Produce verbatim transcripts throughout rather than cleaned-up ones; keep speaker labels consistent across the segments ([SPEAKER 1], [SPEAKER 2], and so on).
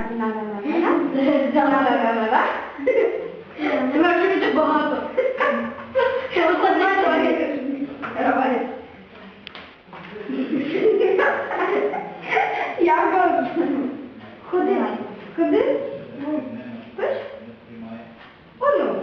[SPEAKER 1] Вона вже багато. Я кажу. Ходи. Ходи. Пиш? Оно.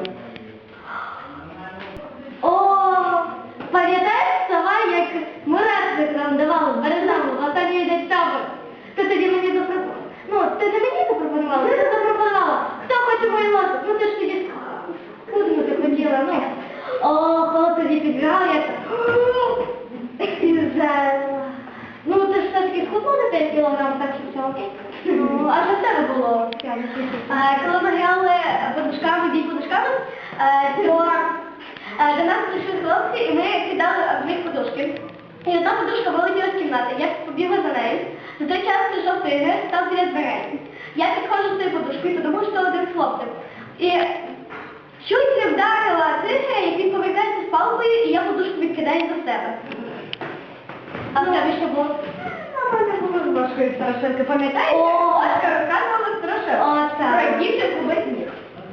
[SPEAKER 1] О, пам'ятаєш, сова, як мурашник нам давали в Березану, в останній день табор? Ти тоді мені запропонувала. Ну, ти не мені запропонувала, ти запропонувала. Хто хоче мою лосу? Ну, ти ж тоді худну ти хотіла, ну. О, коли тоді підбігав, я так... І взяла. Ну, ти ж все-таки схуднула на п'ять кілограм, так що все окей. Ну, а що в тебе було? Коли ми грали подушками, бій подушками, то до нас прийшли хлопці, і ми кидали в них подушки. І одна подушка вилетіла з кімнати. Я побігла за нею. За той час прийшов тигр, став біля дверей. Я підходжу з тою подушкою, подумав, що один з хлопців. І чуть не вдарила тигра, як він повертається з палкою, і я подушку відкидаю за себе. А в тебе що було? А в мене було з Бошкою страшенка, пам'ятаєте? Бошка розказувала страшенку. Про дівчинку без ніг.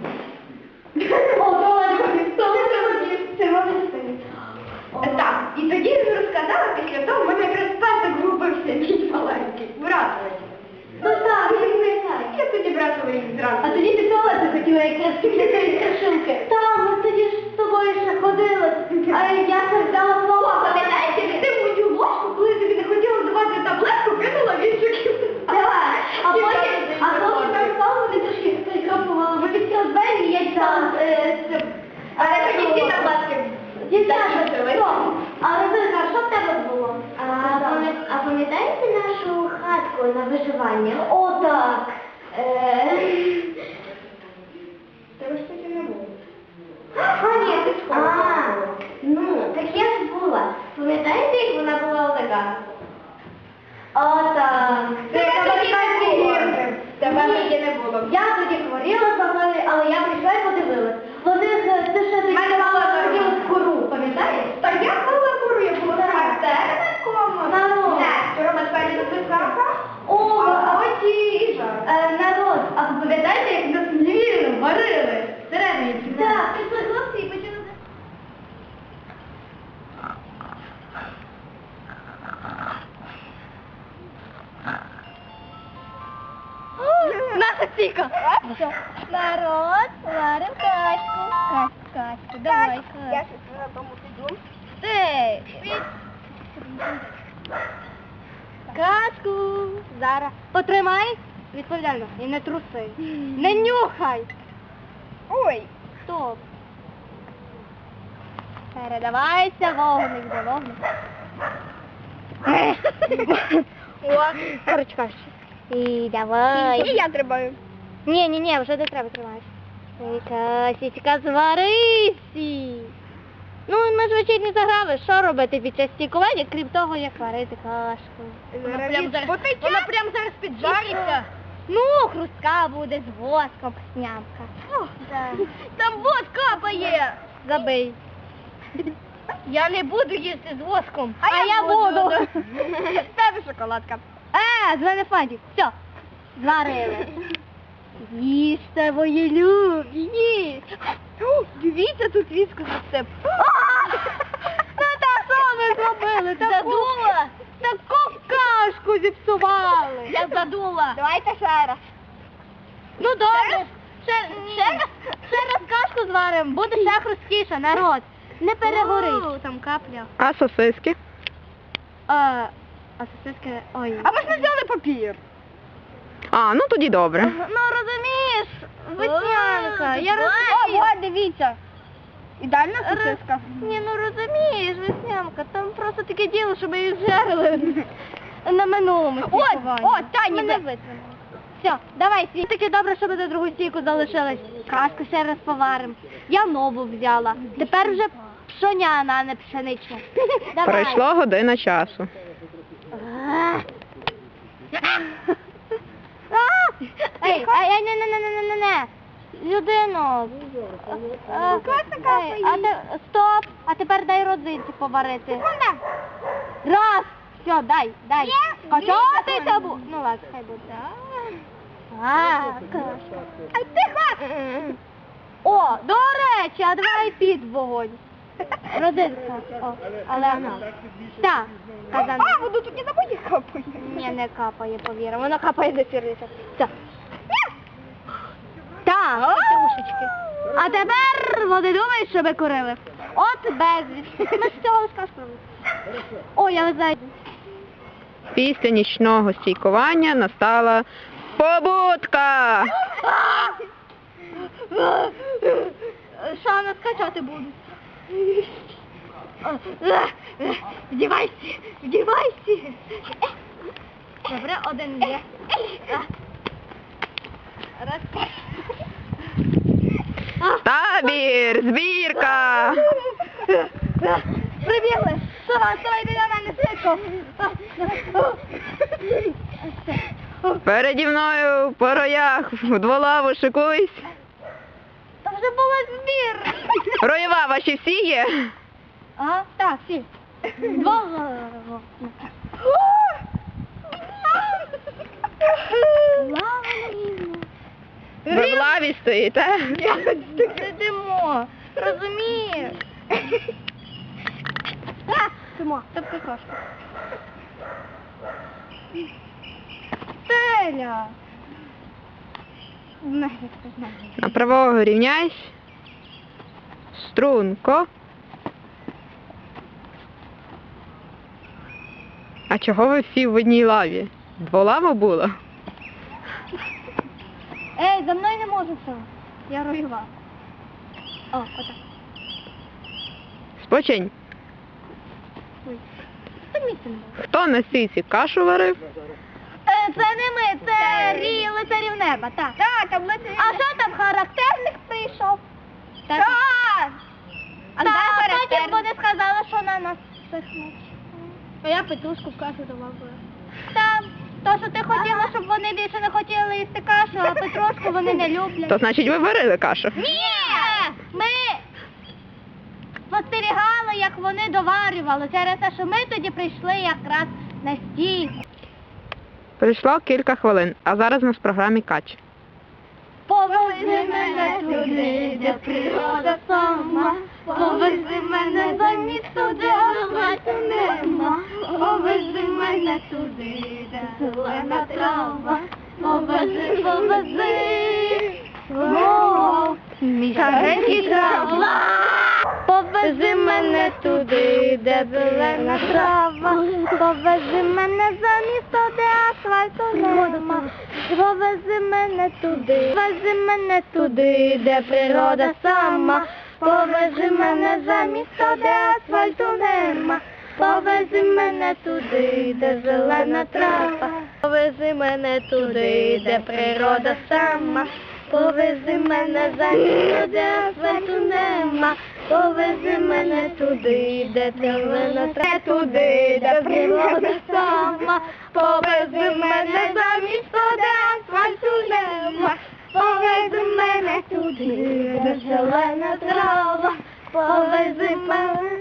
[SPEAKER 1] О, то ладно, то не треба ніг, це можна стоїть. Так, і тоді він розказала, після того в мене якраз песик губився, мій маленький, братовий. Ну так, він не знає. Я тоді братовий зранку. А тоді ти туалет захотіла якраз після цієї страшилки. Так, ми тоді ж з тобою ще ходили, а я це взяла слова. Пам'ятаєте, ти мою ложку, коли тобі не хотіла давати таблетку, кинула в іншу кімнату. А потім, а хлопці там стали, вони трошки прикропували, ми відкрили двері, і я дістала з цим. А це тоді всі таблетки. Дівчата, а Розинка, що в тебе було? А пам'ятаєте нашу хатку на виживання? О, так. Тебе ж тоді не було. А, ні, ти в школі. А, ну, так я ж була. Пам'ятаєте, як вона була олигархом? О, так. Це американські гірки. Тебе тоді не було. Я тоді хворіла за мною, але я прийшла і подивилась. Вони ти ще тоді мала кору, пам'ятаєш? Та я мала кору, я була характерником. Народ. Рома спереді записавка. О, а ось і жар. Народ, а ви пам'ятаєте, як нас звірили, варили? Всередині. Так, пішли хлопці і почали. Наша стійка! Народ, варим качку. Качку, качку, давай. Я щось на тому піду. Ей, качку. Зараз. Потримай. Відповідально. І не труси. Не нюхай. Ой. Стоп. Передавайся, вогник за вогник. О, корочка. І давай. І я тримаю. Ні, ні, ні, вже не треба тримати. Касічка, зварися. Ну, ми ж вечірні заграли, що робити під час стікування, крім того, як варити кашку. Вона прям зараз, вона прям зараз піджариться. Ну, хрустка буде з воском, снямка. О, да. Там воск капає. Забий. Я не буду їсти з воском. А, а я, я буду. буду. Тебе шоколадка. Е, з мене фантик. Все, зварили. Їжте, мої любі, їсть. Дивіться, тут віску засип. Це так, що ми зробили? Задула. Таку кашку зіпсували. Я задула. Давайте ще раз. Ну добре. Ще, ще, раз, ще раз кашку зваримо, буде ще хрусткіше, народ. Не перегорить. Там капля.
[SPEAKER 2] А сосиски?
[SPEAKER 1] А, а сосиски, ой. А ми ж не взяли папір.
[SPEAKER 2] А, ну тоді добре.
[SPEAKER 1] Ну розумієш, веснянка. Я розумію. О, дивіться. Ідеальна сосиска. Ні, ну розумієш, веснянка. Там просто таке діло, що ми їх жарили на минулому стікуванні. О, Таня. Ми не витримали. Все, давай, свій. Таке добре, що ми за другу стійку залишилась. Кашку ще раз поваримо. Я нову взяла. Тепер вже пшоняна, а не пшенична.
[SPEAKER 2] Пройшла година часу.
[SPEAKER 1] Ей, ей, не, не, не, не, не, не. Людино. А те, стоп. А тепер дай родзинці поварити. Раз. Все, дай, дай. Качатися бу. Ну ладно, хай буде. А, кашка. Ай, тихо! О, до речі, а давай під вогонь. Родинка. О, але вона. Так, казан.
[SPEAKER 3] А, воно тут не на мої капає.
[SPEAKER 1] Ні, не капає, повір. Воно капає до сірнича. Так. Так, ушечки. А тепер вони думають, що ми курили. От безліч. Ми з цього сказку. О, я не знаю.
[SPEAKER 2] Після нічного стійкування настала побудка.
[SPEAKER 1] Що нас качати будуть? Вдівайся, вдівайся. Добре, один є. Раз.
[SPEAKER 2] Табір, збірка.
[SPEAKER 1] Прибігли. Сова, сова, йди на мене, швидко.
[SPEAKER 2] Переді мною по роях в дволаву шикуйсь.
[SPEAKER 1] Там вже була збір.
[SPEAKER 2] Роєва ваші всі є?
[SPEAKER 1] А, так, всі. Два.
[SPEAKER 2] Ви в лаві стоїте?
[SPEAKER 1] Сидимо, розумієш? Симо, це прекрасно. Теля.
[SPEAKER 2] На правого рівняйсь. Струнко. А чого ви всі в одній лаві? Дволава була?
[SPEAKER 1] Ей, за мною не можу все. Я роєва. О, отак.
[SPEAKER 2] Спочинь.
[SPEAKER 1] Ой. Це місце не було.
[SPEAKER 2] Хто на стійці кашу варив?
[SPEAKER 1] Е, Це не ми, це рій лицарів неба, так. Так, там лицарів неба. А що там, характерник прийшов? Так. А
[SPEAKER 3] де
[SPEAKER 1] потім
[SPEAKER 3] характерник?
[SPEAKER 1] вони сказали, що на нас всіх ночі. А я петрушку в кашу давала. Так, то, що ти хотіла, щоб вони більше не хотіли їсти кашу, а петрушку вони не люблять.
[SPEAKER 2] То значить ви варили кашу?
[SPEAKER 1] Ні! Ми спостерігали, як вони доварювали, через те, що ми тоді прийшли якраз на стійку.
[SPEAKER 2] Прийшло кілька хвилин, а зараз у нас в програмі кач.
[SPEAKER 1] Повези мене туди, де природа сама, повези мене за місто, де асфальту нема, повези мене туди, де зелена трава, повези, повези, о, мій старенький трава. Повези мене туди, де зелена трава, повези мене за місто, де асфальту нема, повези мене туди, повези мене туди, де природа сама, повези мене за місто, де асфальту нема, повези мене туди, де зелена трава, повези мене туди, де природа сама, повези мене за місто, де асфальту нема, повези мене туди, де зелена трава, туди, де природа сама, повези мене за місто, де асфальту нема, повези мене туди, де зелена трава, повези мене.